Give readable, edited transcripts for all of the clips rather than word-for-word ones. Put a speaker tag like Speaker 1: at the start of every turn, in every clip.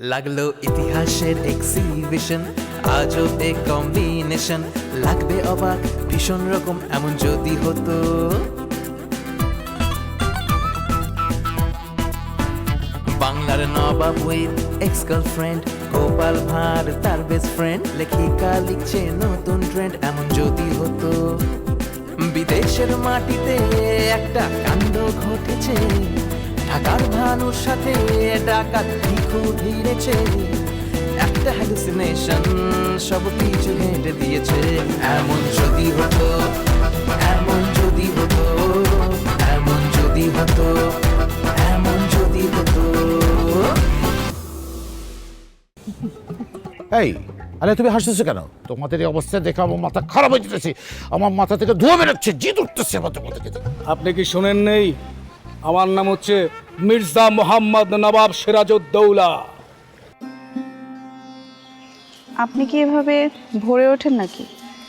Speaker 1: লাগলো ইতিহাসের এক্সিবিশন, আজও এ কম্বিনেশন, লাগবে অবাক ভীষণ রকম এমন যদি হতো। বাংলার নবাব with ex girlfriend, Gopal Bhar তার বেস্ট ফ্রেন্ড, লেখিকা লিখছে নতুন ট্রেন্ড এমন যদি হতো। বিদেশের মাটিতে একটা কাণ্ড ঘটেছে, ঢাকার ভানুর সাথে ডাকাত ভিখু ভিড়েছে, একটা হ্যালুসিনেশন সব কিছু হেঁটে দিয়েছে। এমন যদি হতো, এমন যদি হতো, এমন যদি হতো, এমন যদি হতো।
Speaker 2: এই আরে তুমি হাসতেছো কেন? তোমাদের এই অবস্থা দেখে আমার মাথা খারাপ হয়ে যেতেছে, আমার মাথা থেকে ধোঁয়া বেরোচ্ছে, জিদ উঠতেছে আমার তোমাদের থেকে।
Speaker 3: আপনি কি শোনেন নেই? আমার নাম হচ্ছে মির্জা মোহাম্মদ নবাব সিরাজউদ্দৌলা।
Speaker 4: আপনি কি এভাবে ভরে ওঠেন নাকি?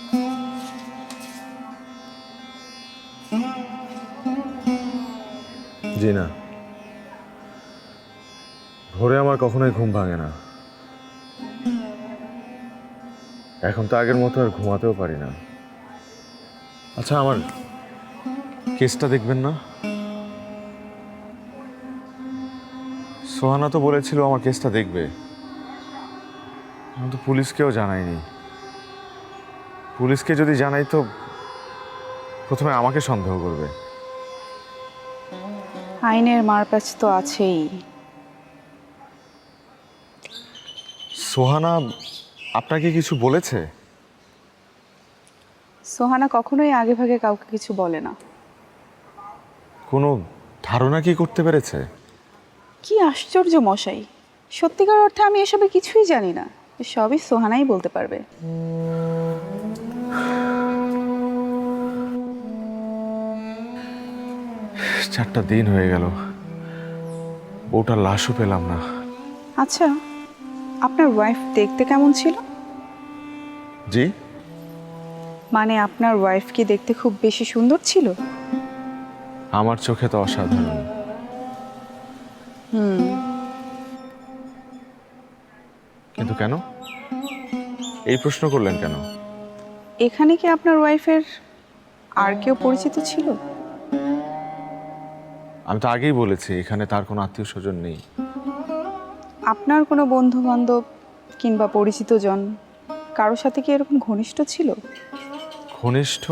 Speaker 5: জি না, ভোরে আমার কখনোই ঘুম ভাঙে না। এখন তো আগের মতো আর ঘুমাতেও পারি না। আচ্ছা, আমার কেসটা দেখবেন না? সোহানা তো বলেছিল আমার কেসটা দেখবে, আমি তো পুলিশকেও জানাইনি। পুলিশকে যদি জানাই তো প্রথমে আমাকে সন্দেহ করবে।
Speaker 4: আইনের মারপ্যাচ তো আছেই।
Speaker 5: সোহানা আপনাকে কিছু বলেছে?
Speaker 4: সোহানা কখনোই আগে ভাগে কাউকে কিছু বলে না।
Speaker 5: কোনো ধারণা কি করতে পেরেছে?
Speaker 4: কি আশ্চর্য মশাই, সত্যিকার অর্থে আমি এসবে কিছুই জানি না, সবই সোহানাই বলতে পারবে।
Speaker 5: 4টা দিন হয়ে গেল, বউটার লাশও পেলাম না।
Speaker 4: আচ্ছা, আপনার ওয়াইফ দেখতে কেমন ছিল?
Speaker 5: জি,
Speaker 4: মানে আপনার ওয়াইফ কি দেখতে খুব বেশি সুন্দর ছিল?
Speaker 5: আমার চোখে তো অসাধারণ। কিন্তু কেন এই প্রশ্ন করলেন কেন?
Speaker 4: এখানে কি আপনার ওয়াইফের আর কেউ পরিচিত ছিল?
Speaker 5: আমি তো আগেই বলেছি এখানে তার কোনো আত্মীয় স্বজন নেই।
Speaker 4: আপনার কোনো বন্ধু বান্ধব কিংবা পরিচিত জন কারোর সাথে কি এরকম ঘনিষ্ঠ ছিল?
Speaker 5: ঘনিষ্ঠ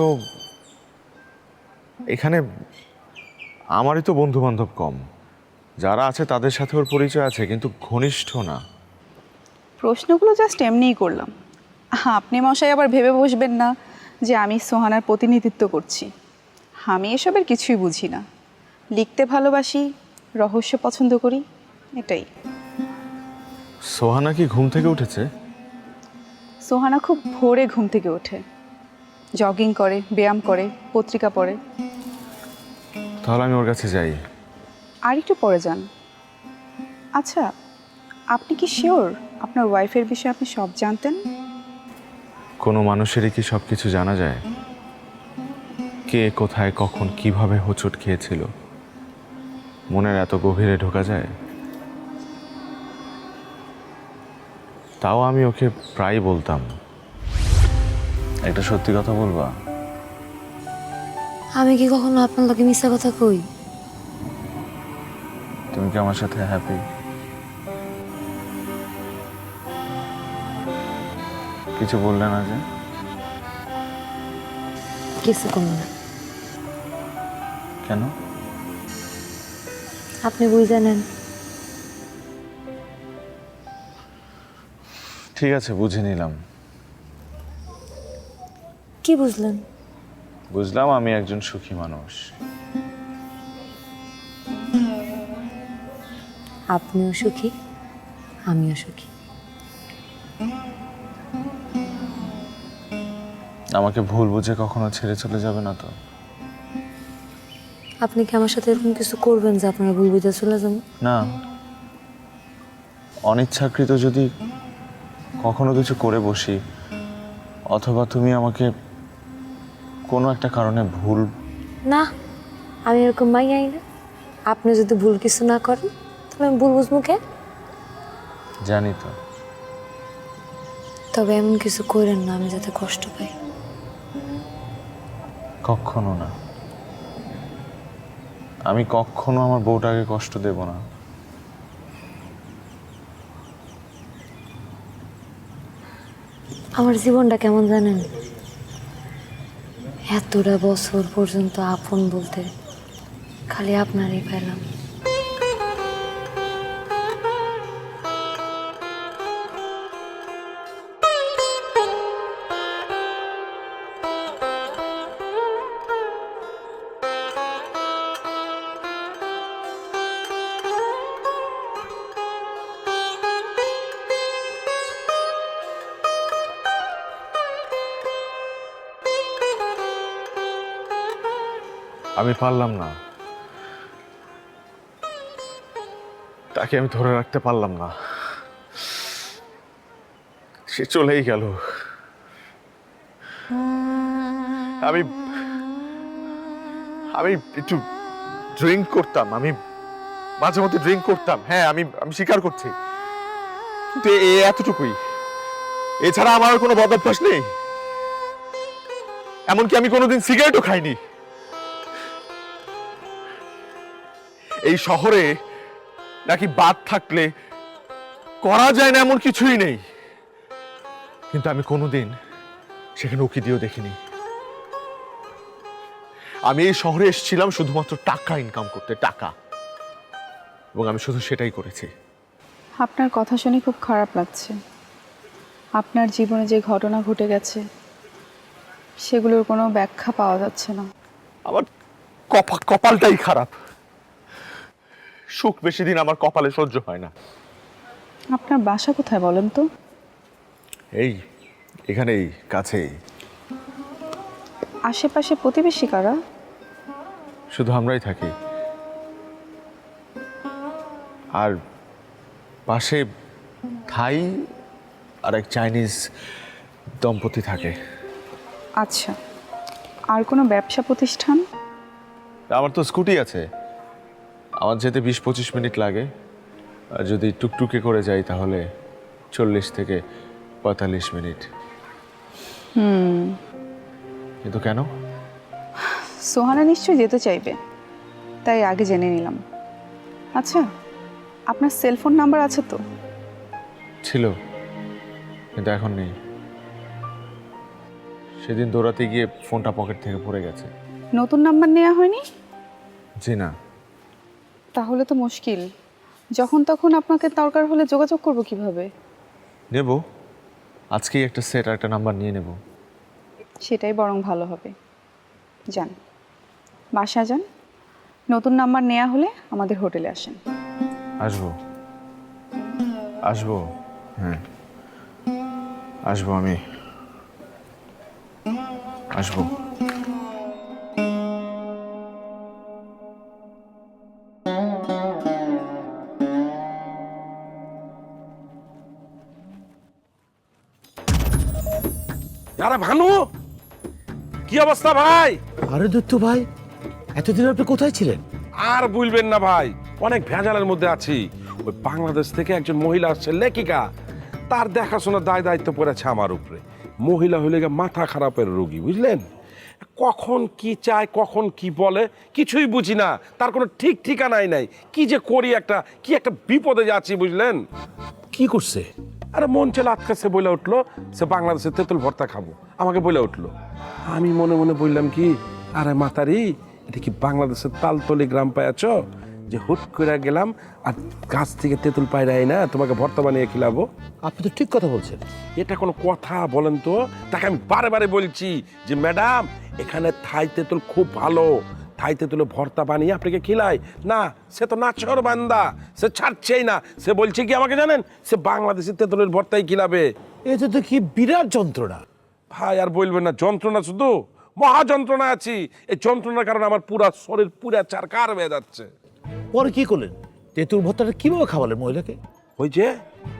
Speaker 5: এখানে আমারই তো বন্ধু বান্ধব কম, যারা আছে তাদের সাথে ওর পরিচয় আছে, কিন্তু ঘনিষ্ঠ না।
Speaker 4: প্রশ্নগুলো জাস্ট এমনিই করলাম, আপনি মশাই আবার ভেবে বসবেন না যে আমি সোহানার প্রতিনিধিত্ব করছি। আমি এসবের কিছুই বুঝি না, লিখতে ভালোবাসি, রহস্য পছন্দ করি, এটাই।
Speaker 5: সোহানা কি ঘুম থেকে উঠেছে?
Speaker 4: সোহানা খুব ভোরে ঘুম থেকে ওঠে, জগিং করে, ব্যায়াম করে, পত্রিকা পড়ে।
Speaker 5: তাহলে আমি ওর কাছে যাই।
Speaker 4: আর একটু পরে যান। আচ্ছা, আপনি কি শিওর আপনার ওয়াইফের বিষয়ে আপনি সব জানতেন?
Speaker 5: কোনো মানুষেরই কি সব কিছু জানা যায়? কে কোথায় কখন কিভাবে হোঁচট খেয়েছিল মনের এত গভীরে ঢোকা যায়? তাও আমি ওকে প্রায় বলতাম, একটা সত্যি কথা বলবা?
Speaker 6: আমি কি কখনো আপনার লোকে মিথ্যা কথা কই?
Speaker 5: তুমি কি আমার সাথে হ্যাপি? কিছু বললে না যে?
Speaker 6: কিছু কম না।
Speaker 5: কেন?
Speaker 6: আপনি বুঝে নেন।
Speaker 5: ঠিক আছে, বুঝে নিলাম।
Speaker 6: কি বুঝলেন?
Speaker 5: বুঝলাম আমি একজন সুখী মানুষ।
Speaker 6: আপনিও সুখী, আমিও সুখী।
Speaker 5: আমাকে ভুল বুঝে কখনো ছেড়ে চলে যাবে না তো?
Speaker 6: আপনি কি আমার সাথে এরকম কিছু করবেন যে আপনারা ভুল বুঝে চলে যাবেন?
Speaker 5: না, অনিচ্ছাকৃত যদি কখনো কিছু করে বসি, অথবা তুমি আমাকে কোনো একটা কারণে ভুল...
Speaker 6: না, আমি এরকম মাইয়াই না। আপনি যদি ভুল কিছু না করেন তাহলে আমি ভুল বুঝবো কে?
Speaker 5: জানি তো।
Speaker 6: তবে এমন কিছু করেন না আমি যাতে কষ্ট পাই।
Speaker 5: কখনো না, আমি কখনো আমার বউটাকে কষ্ট দেব না।
Speaker 6: আমার জীবনটা কেমন জানেন, এতটা বছর পর্যন্ত আপন বলতে খালি আপনারই পেলাম।
Speaker 5: আমি পারলাম না, তাকে আমি ধরে রাখতে পারলাম না, সে চলেই গেল। আমি আমি একটু ড্রিঙ্ক করতাম, আমি মাঝে মধ্যে ড্রিঙ্ক করতাম, হ্যাঁ আমি আমি স্বীকার করছি, কিন্তু এতটুকুই। এছাড়া আমার কোনো বদ অভ্যাস নেই, এমনকি আমি কোনোদিন সিগারেটও খাইনি। এই শহরে নাকি বাদ থাকলে করা যায় না এমন কিছুই নেই, কিন্তু আমি কোনোদিন সেখানে উকি দিয়েও দেখিনি। আমি এই শহরে এসেছিলাম শুধুমাত্র টাকা ইনকাম করতে, টাকা, এবং আমি শুধু সেটাই করেছি।
Speaker 4: আপনার কথা শুনে খুব খারাপ লাগছে। আপনার জীবনে যে ঘটনা ঘটে গেছে সেগুলোর কোনো ব্যাখ্যা পাওয়া যাচ্ছে না।
Speaker 5: আমার কপালটাই খারাপ, সুখ বেশি দিন আমার কপালে সহ্য হয় না।
Speaker 4: আপনার বাসা কোথায় বলেন তো?
Speaker 5: এই এখানেই কাছেই।
Speaker 4: আশেপাশে প্রতিবেশী কারা?
Speaker 5: শুধু আমরাই থাকি, আর পাশে থাই আর এক চাইনিজ দম্পতি থাকে।
Speaker 4: আচ্ছা, আর কোনো ব্যবসা প্রতিষ্ঠান?
Speaker 5: আমার তো স্কুটি আছে, আমার যেতে 20-25 মিনিট লাগে, আর যদি টুকটুকে করে যাই তাহলে 40 থেকে 45 মিনিট। কিন্তু কেন?
Speaker 4: সোহানা নিশ্চয়ই যেতে চাইবে, তাই আগে জেনে নিলাম। আচ্ছা, আপনার সেলফোন নাম্বার আছে তো?
Speaker 5: ছিল, কিন্তু এখন নেই। সেদিন দৌড়াতে গিয়ে ফোনটা পকেট থেকে পড়ে গেছে।
Speaker 4: নতুন নাম্বার নেওয়া হয়নি?
Speaker 5: জি না।
Speaker 4: তাহলে তো মুশকিল। যখন তখন আপনাকে দরকার হলে যোগাযোগ করব কিভাবে?
Speaker 5: নেব, আজকেই একটা সেট আর একটা নাম্বার নিয়ে নেব।
Speaker 4: সেটাই বরং ভালো হবে। যান, বাসা যান, নতুন নাম্বার নেওয়া হলে আমাদের হোটেলে আসেন।
Speaker 5: আসবো, আসবো, হ্যাঁ আসবো, আমি আসবো।
Speaker 7: আরে ভানু, কি অবস্থা ভাই?
Speaker 2: আরে দত্ত ভাই, এতদিন আপনি কোথায় ছিলেন?
Speaker 7: আর বলবেন না ভাই, অনেক ভেজালের মধ্যে আছি। ওই বাংলাদেশ থেকে একজন মহিলা আসছে, লেখিকা, তার দেখাশোনার দায়িত্ব পড়েছে আমার উপরে। মহিলা হইলে গিয়ে মাথা খারাপের রোগী, বুঝলেন? কখন কি চায়, কখন কি বলে কিছুই বুঝি না, তার কোনো ঠিক ঠিকানাই নাই। কি যে করি, একটা বিপদে যাচ্ছি, বুঝলেন?
Speaker 2: কি করছে?
Speaker 7: আরে মন চেলে আটকাছে, বলে উঠলো সে বাংলাদেশের তেঁতুল ভর্তা খাবো, আমাকে বলে উঠলো। আমি মনে মনে বললাম কি, আরে মাতারি, এটা কি বাংলাদেশের তালতলি গ্রাম পাইয়াছ যে হুট করে গেলাম আর গাছ থেকে তেঁতুল পাইরাই না তোমাকে ভর্তা বানিয়ে খিলাবো?
Speaker 2: আপনি তো ঠিক কথা বলছেন।
Speaker 7: এটা কোনো কথা বলেন তো? তাকে আমি বারে বারে বলছি যে ম্যাডাম, এখানে থাই তেঁতুল খুব ভালো, থাই তেঁতুলে ভর্তা বানিয়ে আপনাকে খিলাই না। সে তো নাচর বান্দা, সে ছাড়ছেই না। সে বলছে কি আমাকে জানেন, সে বাংলাদেশের তেঁতুলের ভর্তাই খিলাবে।
Speaker 2: এটা তো কি বিরাট যন্ত্রণা।
Speaker 7: ভাই আর বলবেন না, যন্ত্রণা শুধু মহা যন্ত্রণা আছি। এই যন্ত্রণার কারণে আমার পুরা শরীর পুরা চারকার হয়ে যাচ্ছে।
Speaker 2: পরে কি করলেন? তেঁতুল ভর্তাটা কিভাবে খাওয়ালেন মহিলাকে?
Speaker 7: ওই যে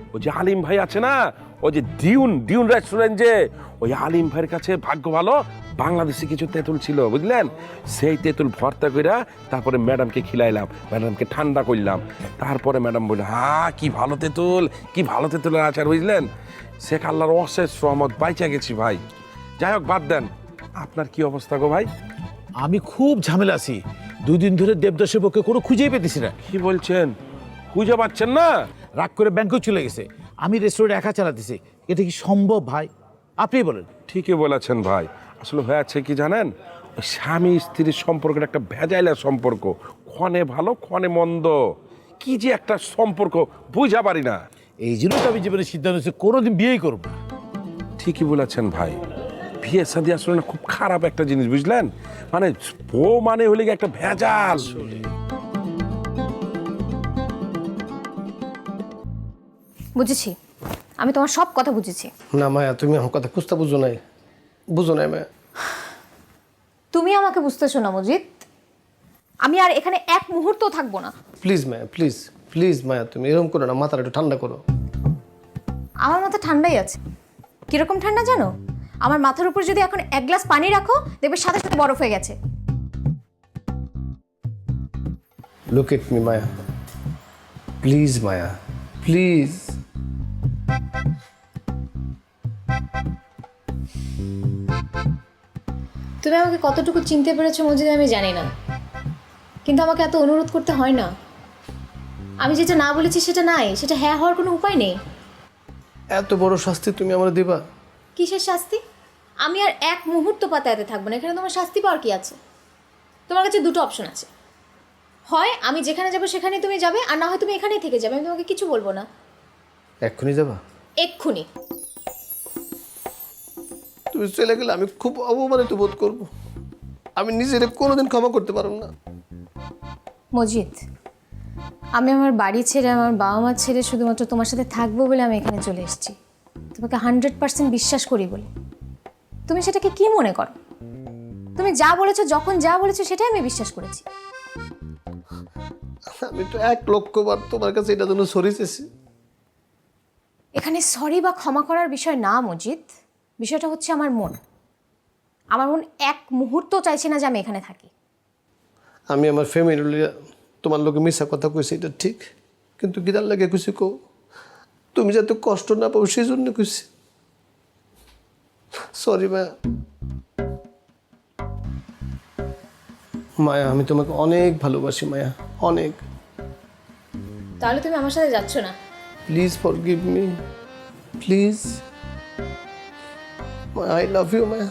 Speaker 7: ওই যে আলিম ভাই আছে না, ওই যে ডিউন রেস্টুরেন্ট, যে ওই আলিম ভাইয়ের কাছে ভাগ্য ভালো বাংলাদেশে কিছু তেঁতুল ছিল বুঝলেন, সেই তেঁতুল ভর্তা কইরা তারপরে ম্যাডামকে খিলাইলাম, ম্যাডামকে ঠান্ডা করলাম, তারপরে ম্যাডাম বলল কি ভালো তেঁতুল, কি ভালো তেঁতুলের আচার বুঝলেন। শেখ আল্লাহর অশেষ রহমত, বাইচা গেছি ভাই। যাই হোক বাদ দেন, আপনার কি অবস্থা গো ভাই?
Speaker 2: আমি খুব ঝামেলা আছি, 2 দিন ধরে দেবদাসের পক্ষে কোনো খুঁজেই পেতেছি না।
Speaker 7: কি বলছেন, খুঁজে পাচ্ছেন না?
Speaker 2: রাগ করে ব্যাংকেও চলে গেছে, আমি রেস্টুরেন্ট একা চালাতেছি, এটা কি সম্ভব ভাই? আপনি বলেন।
Speaker 7: ঠিকই বলেছেন ভাই, আসলে হয়েছে কি জানেন, ওই স্বামী স্ত্রীর সম্পর্কের একটা ভেজাইলা সম্পর্ক, ক্ষণে ভালো ক্ষণে মন্দ, কি যে একটা সম্পর্ক বুঝা পারি না।
Speaker 2: এই জন্য তো আমি জীবনে সিদ্ধান্ত নিয়েছি কোনোদিন বিয়েই করবো না।
Speaker 7: ঠিকই বলেছেন ভাই, বিয়ে শাদী আসলে না খুব খারাপ একটা জিনিস বুঝলেন, মানে বউ মানে হলে গিয়ে একটা ভেজাল।
Speaker 6: বুঝেছি, আমি তোমার সব কথা বুঝেছি।
Speaker 8: না মায়া, তুমি আমার কথা বুঝতে বুঝো নাই মায়া।
Speaker 6: তুমি আমাকে বুঝতেছো না মজিদ, আমি আর এখানে এক মুহূর্ত থাকবো না।
Speaker 8: প্লিজ মায়া, প্লিজ মায়া, তুমি এরকম করো না, মাথাটা একটু ঠান্ডা করো।
Speaker 6: আমার মাথা ঠান্ডাই আছে। কিরকম ঠান্ডা জানো? আমার মাথার উপর যদি এখন 1 গ্লাস পানি রাখো, দেখবে সাথে সাথে বরফ হয়ে গেছে।
Speaker 8: Look at me Maya, please Maya, please.
Speaker 6: তুমি আমাকে কতটুকু চিনতে পেরেছো মজিদ আমি জানি না, কিন্তু আমাকে এত অনুরোধ করতে হয় না। আমি যেটা না বলেছি সেটা নাই, সেটা হ্যাঁ হওয়ার কোনো উপায় নেই।
Speaker 8: এত বড় শাস্তি তুমি আমার দিবা?
Speaker 6: কিসের শাস্তি? আমি আর এক মুহূর্ত পাতায়াতে থাকবো না, এখানে তোমার শাস্তি পাওয়ার কি আছে? তোমার কাছে 2টো অপশন আছে, হয় আমি যেখানে যাবো সেখানেই তুমি যাবে, আর না হয় তুমি এখানেই থেকে যাবে, আমি তোমাকে কিছু বলবো না।
Speaker 8: এক্ষুনি যাবা?
Speaker 6: এক্ষুনি।
Speaker 8: তুমি চলে গেলে আমি খুব অপমানিত বোধ করবো, আমি নিজের কোনোদিন ক্ষমা করতে পারবো না।
Speaker 6: মজিদ, আমি আমার বাড়ি ছেড়ে, আমার বাবা মা ছেড়ে শুধুমাত্র তোমার সাথে থাকবো বলে আমি এখানে চলে এসেছি, তোমাকে 100% বিশ্বাস করি বলে। তুমি সেটাকে কি মনে করো? তুমি যা বলেছো, যখন যা বলেছো সেটাই আমি বিশ্বাস করেছি।
Speaker 8: আমি তো 1,00,000 বার তোমার কাছে এটা জন্য সরি চেয়েছি।
Speaker 6: এখানে সরি বা ক্ষমা করার বিষয় না মজিদ, বিষয়টা হচ্ছে আমার মন। আমার মন এক মুহূর্ত চাইছে না যে আমি এখানে থাকি।
Speaker 8: আমি আমার ফ্যামিলি তোমার লোকে মিশা কথা কইছি, এটা ঠিক, কিন্তু গিদার লাগে কইছি কো তুমি যাতে কষ্ট না পাও সেই জন্য কইছি। সরি মায়া। মায়া, আমি তোমাকে অনেক ভালোবাসি মায়া, অনেক।
Speaker 6: তাহলে তুমি আমার সাথে যাচ্ছ না?
Speaker 8: Please forgive me, please. I love you Maya,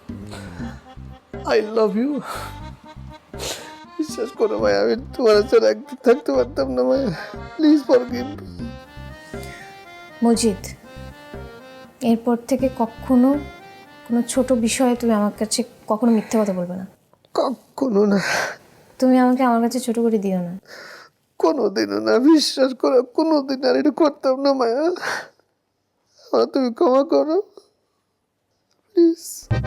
Speaker 8: I love you. বিশ্বাস করো মায়া, আমি তোমার ছাড়া একদিন থাকতে পারতাম না Maya, please forgive me.
Speaker 6: Majid, এরপর থেকে কখনো কোনো ছোট বিষয়ে তুমি আমার কাছে কখনো মিথ্যে কথা বলবে না।
Speaker 8: কখনো না।
Speaker 6: তুমি আমাকে আমার কাছে ছোট করে দিও না।
Speaker 8: কোনোদিনও না, বিশ্বাস করো, কোনোদিন আর এটা করতাম না মায়া। আমার তুমি ক্ষমা করো প্লিজ।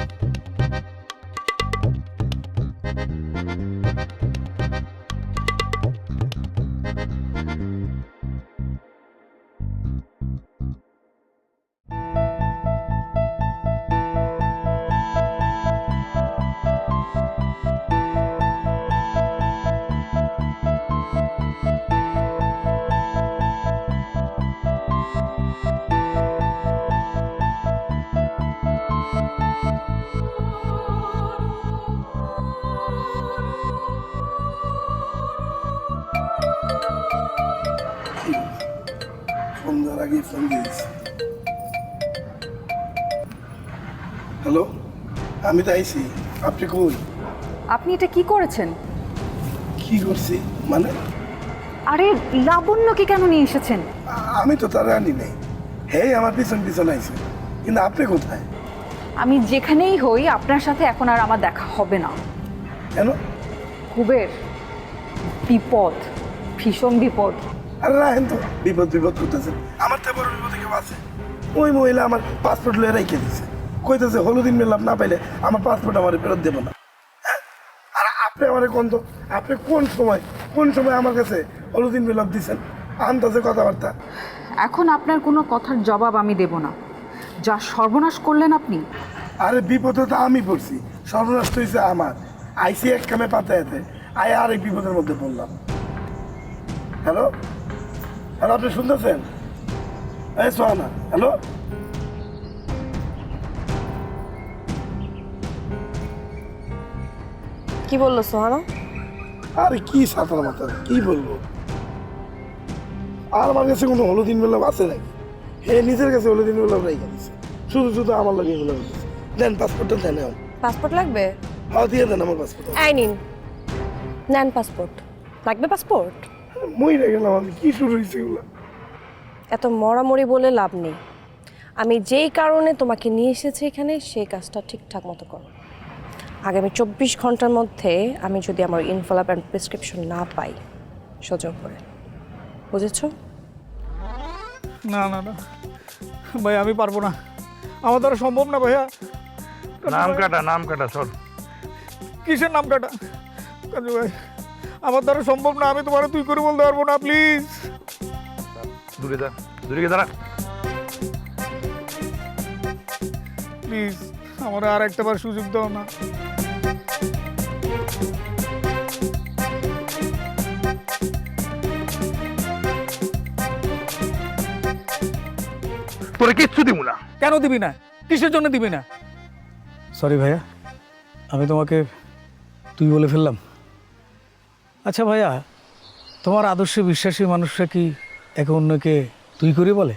Speaker 9: সন্ধ্যার আগে ফোন দিয়েছি। হ্যালো, আমি তো আইছি, আপনি কই?
Speaker 4: আপনি এটা কি করেছেন?
Speaker 9: কি করছি মানে?
Speaker 4: আরে লাবণ্যকে কেন নিয়ে এসেছেন?
Speaker 9: আমি তো তার আনি নাই, হ্যাঁ আমার পিছন পিছন আইছে, কিন্তু আপনি কোথায়?
Speaker 4: আমি যেখানেই হই আপনার সাথে এখন আর আমার দেখা হবে না।
Speaker 9: কেন?
Speaker 4: কুবের, বিপদ, ভীষণ বিপদ।
Speaker 9: আরে রাখেন তো, বিপদ করতেছেন, আমার তো বড় বিপদে কেউ আছে। ওই মহিলা আমার পাসপোর্ট লয়ে রেখে দিছে, কইতেছে হলুদিন মেলাপ না পাইলে আমার পাসপোর্ট আমার ফেরত দেবো না। হ্যাঁ, আর আপনি আমার কোন তো, আপনি কোন সময় আমার কাছে হলুদিন মেলাপ দিচ্ছেন? আন্দাজে কথাবার্তা।
Speaker 10: এখন আপনার কোনো কথার জবাব আমি দেব না। যা সর্বনাশ করলেন আপনি।
Speaker 9: আরে বিপদে তো আমি পড়ছি, সর্বনাশ তো হয়েছে আমার। আইসি এক কামে পাতায়াতে আয় আরেক বিপদের মধ্যে পড়লাম। হ্যালো হ্যালো, আপনি শুনতেছেন? এই সোহানা, হ্যালো।
Speaker 11: কি বললো সোহানা?
Speaker 9: আরে কি সাঁতার মাথা, কি বলবো? আর আমার কাছে কোনো হলুদিন বেলাম আছে নাকি? হে নিজের কাছে হলুদিন বেলাম রেখে দিচ্ছে, শুধু শুধু আমার লাগে এগুলো বলতেছে। দেন পাসপোর্টটা দেন এখন।
Speaker 11: পাসপোর্ট লাগবে?
Speaker 9: হ্যাঁ দিয়ে দেন আমার পাসপোর্ট।
Speaker 11: এই নিন, নেন পাসপোর্ট। লাগবে পাসপোর্ট?
Speaker 9: মরে গেলাম আমি, কি শুরু হয়েছে এগুলো?
Speaker 11: এত মরামরি বলে লাভ নেই। আমি যেই কারণে তোমাকে নিয়ে এসেছি এখানে সেই কাজটা ঠিকঠাক মতো করো। আগামী 24 ঘন্টার মধ্যে আমি যদি আমার ইনফলাপ অ্যান্ড প্রেসক্রিপশন না পাই, সোজা করে, বুঝেছো?
Speaker 3: না না না ভাই, আমি পারবো না, আমার দ্বারা সম্ভব না ভাইয়া।
Speaker 5: নাম কাটা চল।
Speaker 3: কিসের নাম কাটা? কাজু ভাই, আমার দ্বারা সম্ভব না, আমি তোমার তুই করে বলতে পারবো না, প্লিজ।
Speaker 5: দূরে গিয়ে দাঁড়া।
Speaker 3: প্লিজ আমার আর একটা বার সুযোগ দাও না।
Speaker 5: তোরে কিচ্ছু দিব না।
Speaker 3: কেন দিবি না? কিসের জন্য দিবি না? সরি ভাইয়া, আমি তোমাকে তুই বলে ফেললাম। আচ্ছা ভাইয়া, তোমার আদর্শে বিশ্বাসী মানুষরা কি একে অন্যকে তুই করে বলে?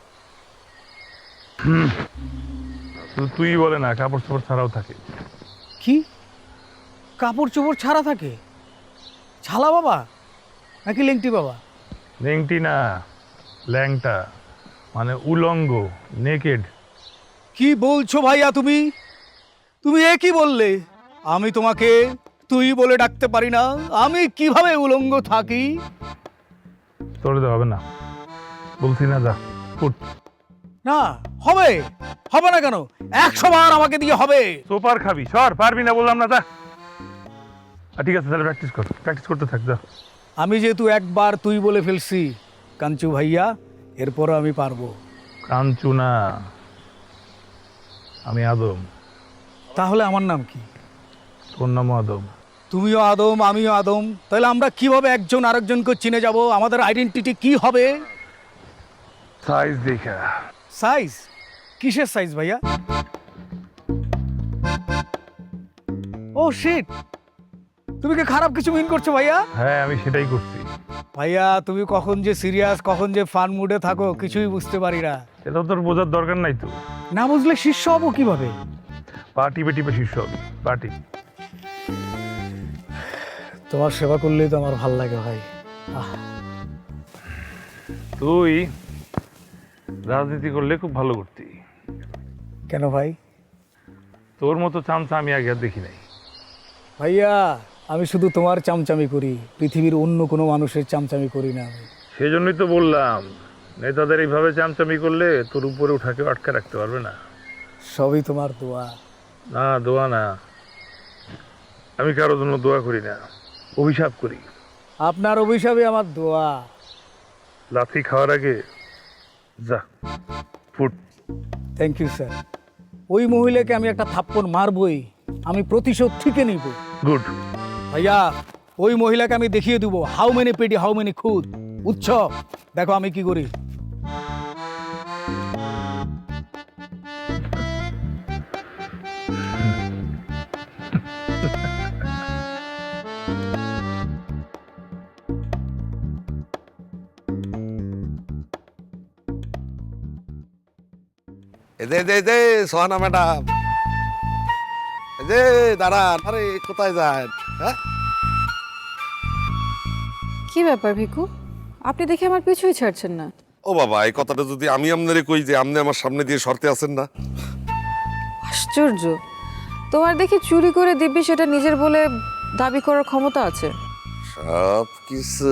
Speaker 5: তুই বলে না, কাপড় চোপড় ছাড়াও থাকে।
Speaker 3: কি কাপড় চোপড় ছাড়া থাকে? ছালা বাবা নাকি লেংটি বাবা?
Speaker 5: লেংটি না, ল্যাংটা, মানে উলঙ্গ, নেকেড।
Speaker 3: কি বলছো ভাইয়া তুমি? তুমি এ কি বললে? আমি তোমাকে তুই বলে ডাকতে পারি না? আমি কিভাবে উলঙ্গ থাকি?
Speaker 5: তোরে তো হবে না, বলছি না, যা ফুট।
Speaker 3: না হবে, হবে না কেন? 100 বার আমাকে দিয়ে হবে।
Speaker 5: সোপার খাবি, সর, পারবি না বললাম না, যা। ঠিক আছে তাহলে প্র্যাকটিস করতে থাক, যা।
Speaker 3: আমি যেহেতু একবার তুই বলে ফেলছি কাঞ্চু ভাইয়া, এরপরও আমি পারবো।
Speaker 5: কাঞ্চু না, আমি আদম।
Speaker 3: তাহলে আমার নাম কি?
Speaker 5: তোর নাম আদম।
Speaker 3: তুমিও আদম, আমিও আদম, তাহলে আমরা কিভাবে একজন আরেকজনকে চিনে যাব? আমাদের আইডেন্টিটি কি হবে?
Speaker 5: সাইজ দেখা।
Speaker 3: সাইজ? কিসের সাইজ ভাইয়া? ও শিট, তুমি কি খারাপ কিছু মিন করছো ভাইয়া?
Speaker 5: হ্যাঁ, আমি সেটাই করছি।
Speaker 3: ভাইয়া তুমি কখন যে সিরিয়াস, কখন যে ফান মুডে থাকো কিছুই বুঝতে পারি না।
Speaker 5: এটা তোর বোঝার দরকার নাই তো।
Speaker 3: না বুঝলে শিষ্য হবো কিভাবে?
Speaker 5: পার্টি শীর্ষ হবে, পার্টি।
Speaker 3: তোমার সেবা করলেই তো আমার ভাল লাগে ভাই।
Speaker 5: তুই রাজনীতি করলে খুব ভালো করতি।
Speaker 3: কেন ভাই?
Speaker 5: তোর মতো চামচা আমি আগে আর দেখি নাই।
Speaker 3: ভাইয়া আমি শুধু তোমার চামচামি করি, পৃথিবীর অন্য কোনো মানুষের চামচামি করি না আমি।
Speaker 5: সেই জন্যই তো বললাম, নেতাদের এইভাবে চামচামি করলে তোর উপরে উঠাকে আটকে রাখতে পারবে না।
Speaker 3: সবই তোমার দোয়া।
Speaker 5: না, দোয়া না, আমি কারোর জন্য দোয়া করি না, অভিশাপ করি।
Speaker 3: আপনার অভিশাপে আমার দোয়া।
Speaker 5: লাথি খাওয়ার আগে যা ফুট।
Speaker 3: Thank you sir. ওই মহিলাকে আমি একটা থাপ্পড় মারবই, আমি প্রতিশোধ ঠিকই নিব।
Speaker 5: গুড।
Speaker 3: ভাইয়া ওই মহিলাকে আমি দেখিয়ে দেবো how many petty how many খুদ। উৎসব দেখো আমি কি করি।
Speaker 8: সোহানা ম্যাডাম, দাঁড়ান। আরে কোথায় যায়? হ্যাঁ,
Speaker 10: কি ব্যাপার ভিকু, আপনি দেখে আমার পিছুই ছাড়ছেন না?
Speaker 12: ও বাবা, এই কথাটা যদি আমি আপনারে কই যে আপনি আমার সামনে দিয়ে সরতে আছেন না।
Speaker 10: আশ্চর্য, তোমার দেখি চুরি করে দিব্যি সেটা নিজের বলে দাবি করার ক্ষমতা আছে।
Speaker 12: সব কিছু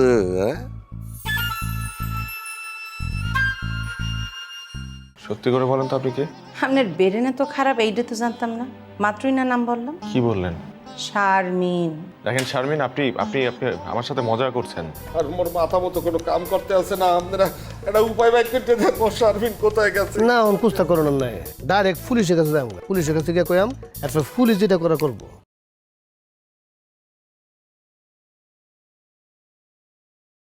Speaker 5: সত্যি করে বলেন তো, আপনি কে?
Speaker 11: আপনার বেরেনে তো খারাপ, এইটা তো জানতাম না, মাত্রই না নাম বললাম।
Speaker 5: কি বললেন?
Speaker 10: শারমিন।
Speaker 5: দেখেন শারমিন, আপনি আপনি আপনি আমার সাথে মজা করছেন।
Speaker 8: আর মোর মাথা মতো কোনো কাম করতে আছে না, আপনারা একটা উপায় বাইর করতে দেন, মোর শারমিন কোথায় গেছে। না অন কুস্তা করোনার নাই, ডাইরেক্ট পুলিশের কাছে যাবো, পুলিশের কাছে গিয়ে কইয়াম এরপর পুলিশ যেটা করা করবো।